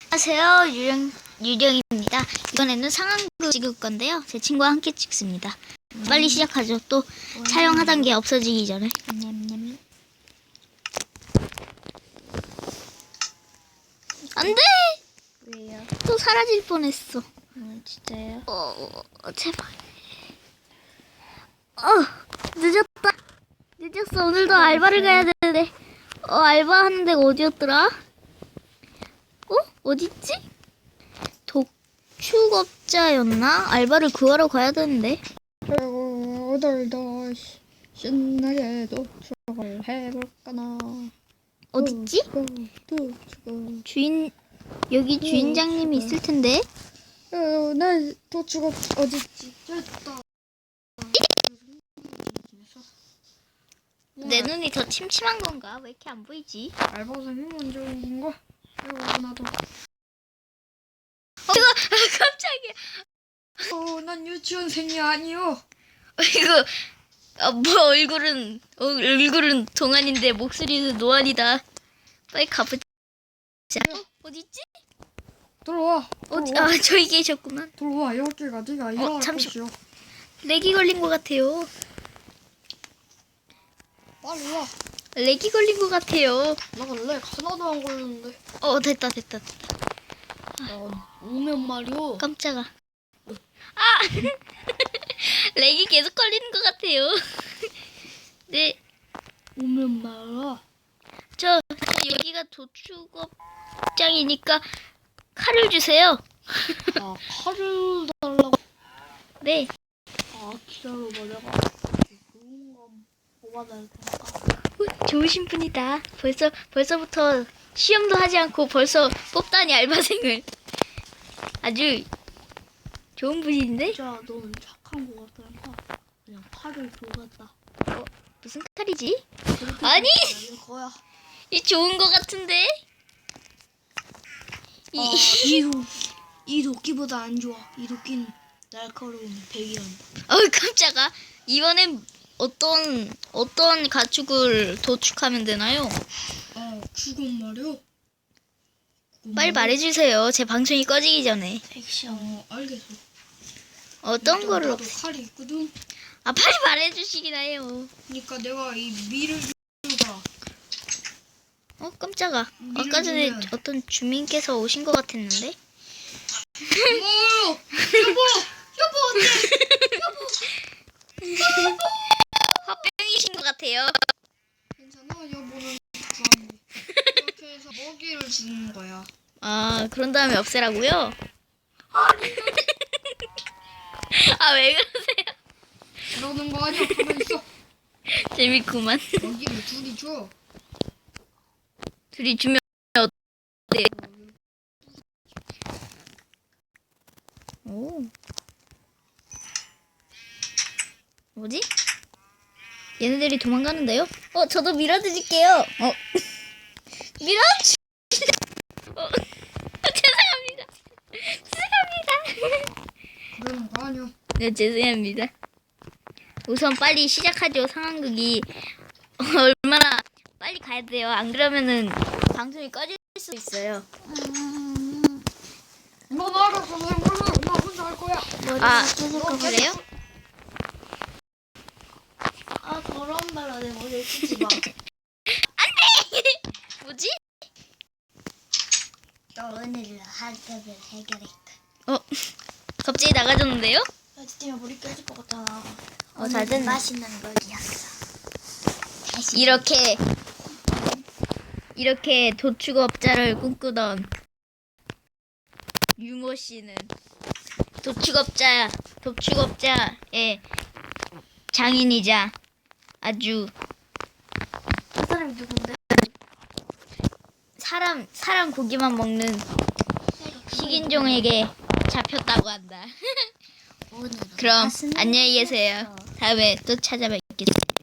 안녕하세요. 유령입니다. 이번에는 상황극 찍을 건데요. 제 친구와 함께 찍습니다. 빨리 시작하죠. 또 촬영하던 게 없어지기 전에. 안 돼! 왜요? 또 사라질 뻔했어. 진짜요? 제발. 늦었다. 늦었어. 오늘도 알바를 가야 되는데. 알바하는 데가 어디였더라? 어딨지? 독축업자였나? 알바를 구하러 가야 되는데. 오늘도 신나게 도축을 해볼까나. 어딨지? 여기 주인장님이 있을 텐데. 내 도축업 어딨지? 됐다. 내 눈이 더 침침한 건가? 왜 이렇게 안 보이지? 알바생이 먼저 온 건가? 나도. 깜짝이야. 난 유치원생이 아니요. 이거 얼굴은 동안인데 목소리는 노안이다. 빨리 가보자. 어딨지? 들어와. 저기 계셨구만. 들어와. 여기가 네가 일어날 곳이요. 렉이 걸린 것 같아요. 빨리 와. 렉이 걸린 것 같아요. 나는 렉 하나도 안 걸렸는데. 됐다. 오면 말이오. 깜짝아. 렉이 계속 걸리는 것 같아요. 네. 오면 말아. 여기가 도축업장이니까 칼을 주세요. 칼을 달라고. 네. 기다려봐. 내가 좋은 거 뽑아야 될 테니까. 좋으신 분이다. 벌써부터 시험도 하지 않고 벌써 뽑다니 알바생을. 아주 좋은 분인데? 진짜 너는 착한 거 같으니까 그냥 칼을 줘갔다. 무슨 칼이지? 아니! 거야. 이 좋은 거 같은데? 이 도끼보다 안 좋아. 이 도끼는 날카로운 백이란다. 깜짝아. 이번엔 어떤 가축을 도축하면 되나요? 죽은 말이요. 빨리 말해주세요. 제 방송이 꺼지기 전에. 액션. 알겠어. 어떤 거를 나도 칼이 있거든. 빨리 말해주시긴 해요. 그러니까 내가 이 밀을 주가. 깜짝아. 아까 전에 어떤 주민께서 오신 것 같았는데? 여보 어때? 화병이신 것 같아요. 괜찮아. 여보는 좋아하는데. 이렇게 해서 먹이를 주는 거야. 그런 다음에 없애라고요? 왜 그러세요? 그러는 거 아니야. 가만 있어. 재밌구만. 먹이를 둘이 줘. 둘이 주면 어때요? 뭐지? 얘네들이 도망가는데요? 저도 밀어드릴게요. 밀어주. 죄송합니다. 그러는 거 아니야. 네, 죄송합니다. 우선 빨리 시작하죠. 상황극이 얼마나 빨리 가야 돼요. 안 그러면은 방송이 꺼질 수 있어요. 너 나가서 나 혼자 할 거야. 그래요? 더러운 발로 내 머리를 치지 마. 뭐지? 너 오늘 학급을 해결했다. 갑자기 나가졌는데요? 때문에 머리 깨질 것 같잖아. 잘 됐네. 맛있는 거리였어. 이렇게 도축업자를 꿈꾸던 유모 씨는 도축업자의 장인이자 아주 그 사람이 누군데? 사람 고기만 먹는 식인종에게 잡혔다고 한다. 그럼 안녕히 계세요. 다음에 또 찾아뵙겠습니다.